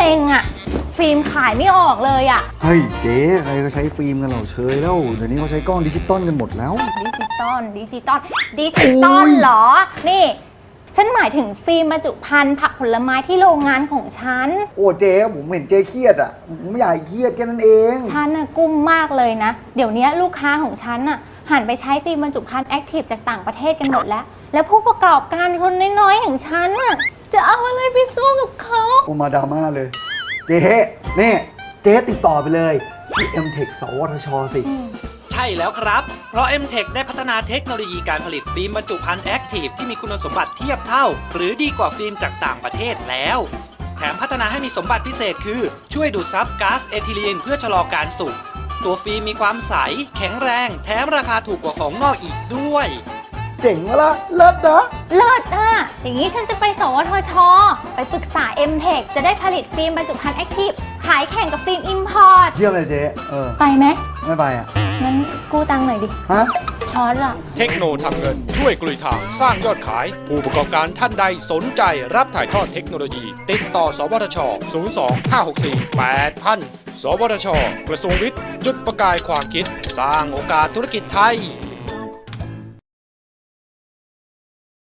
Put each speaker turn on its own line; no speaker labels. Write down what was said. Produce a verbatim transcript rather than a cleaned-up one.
เซ็งอะฟิล์มขายไม่ออกเลยอะ
เฮ้ยเจ๊ใครก็ใช้ฟิล์มกันเหล่าเชยแล้วเดี๋ยวนี้เขาใช้กล้องดิจิตอลกันหมดแล้ว
ดิจิตอลดิจิตอลดิจิตอลเหรอนี่ฉันหมายถึงฟิล์มบรรจุภัณฑ์ผักผลไม้ที่โรงงานของฉัน
โอ้เจ๊ผมเห็นเจ๊เครียดอ่ะผมไม่อยากให้เครียดแค่นั้นเอง
ฉันน่ะกุ้มมากเลยนะเดี๋ยวนี้ลูกค้าของฉันน่ะหันไปใช้ฟิล์มบรรจุภัณฑ์แอคทีฟจากต่างประเทศกันหมดแล้ว แล้วผู้ประกอบการคนน้อยๆอย่างฉันน่ะจะเอาอะไรไปสู้กับเขา
โอมาดราม่าเลย เจ๊นี่เจ๊ติดต่อไปเลยที่ เอ็ม เทค สวทช สิ
ใช่แล้วครับ เพราะ เอ็ม เทค ได้พัฒนาเทคโนโลยีการผลิตฟิล์มบรรจุภัณฑ์แอคทีฟที่มีคุณสมบัติเทียบเท่า หรือดีกว่าฟิล์มจากต่างประเทศแล้ว แถมพัฒนาให้มีสมบัติพิเศษคือ ช่วยดูดซับก๊าซเอทิลีนเพื่อชะลอการสุก ตัวฟิล์มมีความใส แข็งแรง แถมราคาถูกกว่าของนอกอีกด้วย
เจ๋งวะล่ะเลิศนะ
เลิศอ่ะอย่างนี้ฉันจะไปสวทช ไปปรึกษา เอ็ม เทค จะได้ผลิตฟิล์มบรรจุภัณฑ์แอคทีฟขายแข่งกับฟิล์มอิมพอร์ต
เยี่ยมเลยเจ๊เออ
ไปไหม
ไม่ไปอ่ะ
งั้นกู้ตังค์หน่อยดิ
ฮะ
ช้อนละ
เทคโนทำเงินช่วยกลุยทางสร้างยอดขาย ผู้ประกอบการท่านใดสนใจรับถ่ายทอดเทคโนโลยี ติดต่อ สวทช ศูนย์ สอง ห้า หก สี่ แปด ศูนย์ ศูนย์ สวทช กระทรวงวิทย์ จุดประกายความคิด สร้างโอกาสธุรกิจไทย